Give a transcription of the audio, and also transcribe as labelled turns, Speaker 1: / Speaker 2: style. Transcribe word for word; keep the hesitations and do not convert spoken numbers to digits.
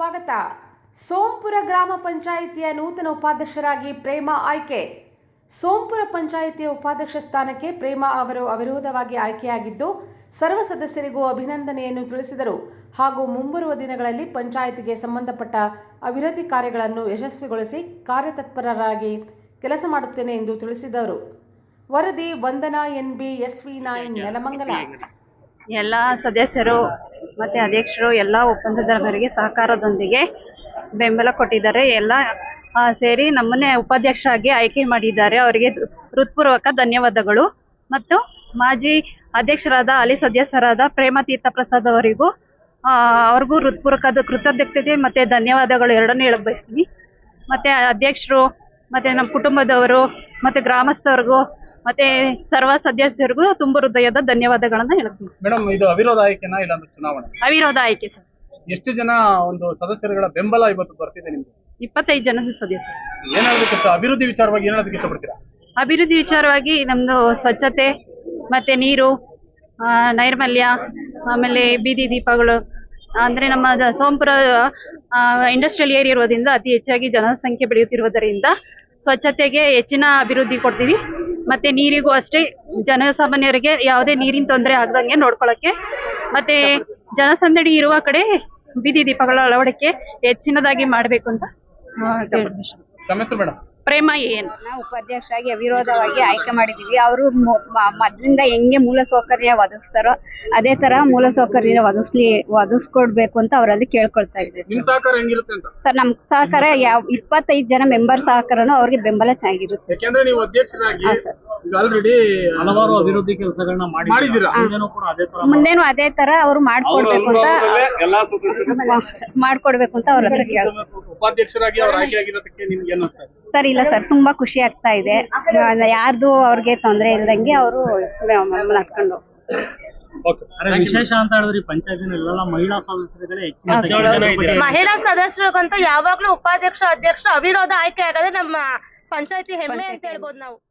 Speaker 1: ಸ್ವಾಗತ. ಸೋಂಪುರ ಗ್ರಾಮ ಪಂಚಾಯಿತಿಯ ನೂತನ ಉಪಾಧ್ಯಕ್ಷರಾಗಿ ಪ್ರೇಮಾ ಆಯ್ಕೆ. ಸೋಂಪುರ ಪಂಚಾಯಿತಿಯ ಉಪಾಧ್ಯಕ್ಷ ಸ್ಥಾನಕ್ಕೆ ಪ್ರೇಮಾ ಅವರು ಅವಿರೋಧವಾಗಿ ಆಯ್ಕೆಯಾಗಿದ್ದು ಸರ್ವ ಸದಸ್ಯರಿಗೂ ಅಭಿನಂದನೆಯನ್ನು ತಿಳಿಸಿದರು ಹಾಗೂ ಮುಂಬರುವ ದಿನಗಳಲ್ಲಿ ಪಂಚಾಯಿತಿಗೆ ಸಂಬಂಧಪಟ್ಟ ಅಭಿವೃದ್ಧಿ ಕಾರ್ಯಗಳನ್ನು ಯಶಸ್ವಿಗೊಳಿಸಿ ಕಾರ್ಯತತ್ಪರರಾಗಿ ಕೆಲಸ ಮಾಡುತ್ತೇನೆ ಎಂದು ತಿಳಿಸಿದರು. ವರದಿ Vandana N B S V nine Nelamangala.
Speaker 2: ಎಲ್ಲ ಸದಸ್ಯರು ಮತ್ತು ಅಧ್ಯಕ್ಷರು ಎಲ್ಲ ಒಪ್ಪಂದದಾರರಿಗೆ ಸಹಕಾರದೊಂದಿಗೆ ಬೆಂಬಲ ಕೊಟ್ಟಿದ್ದಾರೆ. ಎಲ್ಲ ಸೇರಿ ನಮ್ಮನ್ನೇ ಉಪಾಧ್ಯಕ್ಷರಾಗಿ ಆಯ್ಕೆ ಮಾಡಿದ್ದಾರೆ. ಅವರಿಗೆ ಹೃತ್ಪೂರ್ವಕ ಧನ್ಯವಾದಗಳು. ಮತ್ತು ಮಾಜಿ ಅಧ್ಯಕ್ಷರಾದ ಹಾಲಿ ಸದಸ್ಯರಾದ ಪ್ರೇಮಾ ತೀರ್ಥ ಪ್ರಸಾದ್ ಅವರಿಗೂ ಅವ್ರಿಗೂ ಹೃತ್ಪೂರ್ವಕ ಕೃತಜ್ಞತೆ ಮತ್ತು ಧನ್ಯವಾದಗಳು ಎರಡನ್ನೂ ಹೇಳಕ್ ಬಯಸ್ತೀನಿ. ಮತ್ತು ಅಧ್ಯಕ್ಷರು ಮತ್ತು ನಮ್ಮ ಕುಟುಂಬದವರು ಮತ್ತು ಗ್ರಾಮಸ್ಥರಿಗೂ ಮತ್ತೆ ಸರ್ವ ಸದಸ್ಯರಿಗೂ ತುಂಬ ಹೃದಯದ ಧನ್ಯವಾದಗಳನ್ನ ಹೇಳ್ತೀನಿ.
Speaker 3: ಮೇಡಮ್, ಇದು ಅವಿರೋಧ ಆಯ್ಕೆನಾ ಇಲ್ಲ ಅಂದ್ರೆ ಚುನಾವಣೆ?
Speaker 2: ಅವಿರೋಧ ಆಯ್ಕೆ ಸರ್.
Speaker 3: ಎಷ್ಟು ಜನ ಒಂದು ಸದಸ್ಯರುಗಳ ಬೆಂಬಲ ಇವತ್ತು ಬರ್ತಿದೆ ನಿಮ್ಗೆ?
Speaker 2: ಇಪ್ಪತ್ತೈದು ಜನದ ಸದಸ್ಯರು.
Speaker 3: ಏನ್ ಹೇಳೋದಕ್ಕೆ ಅಭಿವೃದ್ಧಿ ವಿಚಾರವಾಗಿ ಏನ್ ಹೇಳೋದಕ್ಕೆ ಇಷ್ಟಪಡ್ತೀರಾ?
Speaker 2: ಅಭಿವೃದ್ಧಿ ವಿಚಾರವಾಗಿ ನಮ್ದು ಸ್ವಚ್ಛತೆ ಮತ್ತೆ ನೀರು, ನೈರ್ಮಲ್ಯ, ಆಮೇಲೆ ಬೀದಿ ದೀಪಗಳು, ಅಂದ್ರೆ ನಮ್ಮ ಸೋಂಪುರ ಇಂಡಸ್ಟ್ರಿಯಲ್ ಏರಿಯಾ ಇರೋದ್ರಿಂದ ಅತಿ ಹೆಚ್ಚಾಗಿ ಜನಸಂಖ್ಯೆ ಬೆಳೆಯುತ್ತಿರುವುದರಿಂದ ಸ್ವಚ್ಛತೆಗೆ ಹೆಚ್ಚಿನ ಅಭಿವೃದ್ಧಿ ಕೊಡ್ತೀವಿ. ಮತ್ತೆ ನೀರಿಗೂ ಅಷ್ಟೇ, ಜನಸಾಮಾನ್ಯರಿಗೆ ಯಾವುದೇ ನೀರಿನ ತೊಂದರೆ ಆಗದಂಗೆ ನೋಡ್ಕೊಳ್ಳೋಕ್ಕೆ ಮತ್ತೆ ಜನಸಂದಣಿ ಇರುವ ಕಡೆ ಬೀದಿ ದೀಪಗಳ ಅಳವಡಿಕೆ ಹೆಚ್ಚಿನದಾಗಿ ಮಾಡಬೇಕು ಅಂತ
Speaker 3: ಮೇಡಮ್.
Speaker 2: ಪ್ರೇಮಾ ಏನ್
Speaker 4: ನಾವು ಉಪಾಧ್ಯಕ್ಷರಾಗಿ ಅವಿರೋಧವಾಗಿ ಆಯ್ಕೆ ಮಾಡಿದೀವಿ. ಅವರು ಮೊದ್ಲಿಂದ ಹೆಂಗೆ ಮೂಲ ಸೌಕರ್ಯ ಒದಗಿಸ್ತಾರೋ ಅದೇ ತರ ಮೂಲ ಸೌಕರ್ಯ ಒದಗಿಸ್ಲಿ ಒದಗಿಸ್ಕೊಡ್ಬೇಕು ಅಂತ ಅವರಲ್ಲಿ ಕೇಳ್ಕೊಳ್ತಾ ಇದ್ದೀವಿ. ಸರ್, ನಮ್ ಸಹಕಾರ ಯಾವ ಇಪ್ಪತ್ತೈದು ಜನ ಮೆಂಬರ್ ಸಹಕಾರನು ಅವ್ರಿಗೆ ಬೆಂಬಲ ಚೆನ್ನಾಗಿರುತ್ತೆ.
Speaker 3: ಯಾಕಂದ್ರೆ ನೀವು ಅಧ್ಯಕ್ಷರಾಗಿ ಆಲ್ರೆಡಿ ಹಲವಾರು ಅಭಿವೃದ್ಧಿ ಕೆಲಸಗಳನ್ನ ಮಾಡಿದ್ದೀರಾ,
Speaker 4: ಮುಂದೇನು ಅದೇ ತರ ಅವ್ರು ಮಾಡ್ಕೊಡ್ಬೇಕು ಅಂತ ಮಾಡ್ಕೊಡ್ಬೇಕು ಅಂತ ಅವ್ರ ಹತ್ರ ಕೇಳ್ಬೇಕು.
Speaker 3: ಉಪಾಧ್ಯಕ್ಷರಾಗಿ ಅವ್ರ ಆಯ್ಕೆ ಆಗಿರೋದಕ್ಕೆ ನಿಮ್ಗೆ ಏನು ಅನ್ಸುತ್ತೆ?
Speaker 4: ಸರ್, ಇಲ್ಲ ಸರ್, ತುಂಬಾ ಖುಷಿ ಆಗ್ತಾ ಇದೆ. ಯಾರ್ದು ಅವ್ರಿಗೆ ತೊಂದರೆ ಇಲ್ದಂಗೆ ಅವರು ನಡ್ಕೊಂಡು
Speaker 5: ವಿಶೇಷ ಅಂತ ಹೇಳಿದ್ರಿ ಪಂಚಾಯತಿನ ಮಹಿಳಾ ಸದಸ್ಯರುಗಳೇ ಹೆಚ್ಚಿನ
Speaker 6: ಮಹಿಳಾ ಸದಸ್ಯರಿಗಂತೂ ಯಾವಾಗ್ಲೂ ಉಪಾಧ್ಯಕ್ಷ ಅಧ್ಯಕ್ಷ ಅವಿರೋಧ ಆಯ್ಕೆ ಆಗದೆ ನಮ್ಮ ಪಂಚಾಯತಿ ಹೆಮ್ಮೆ ಅಂತ ಹೇಳ್ಬೋದು ನಾವು.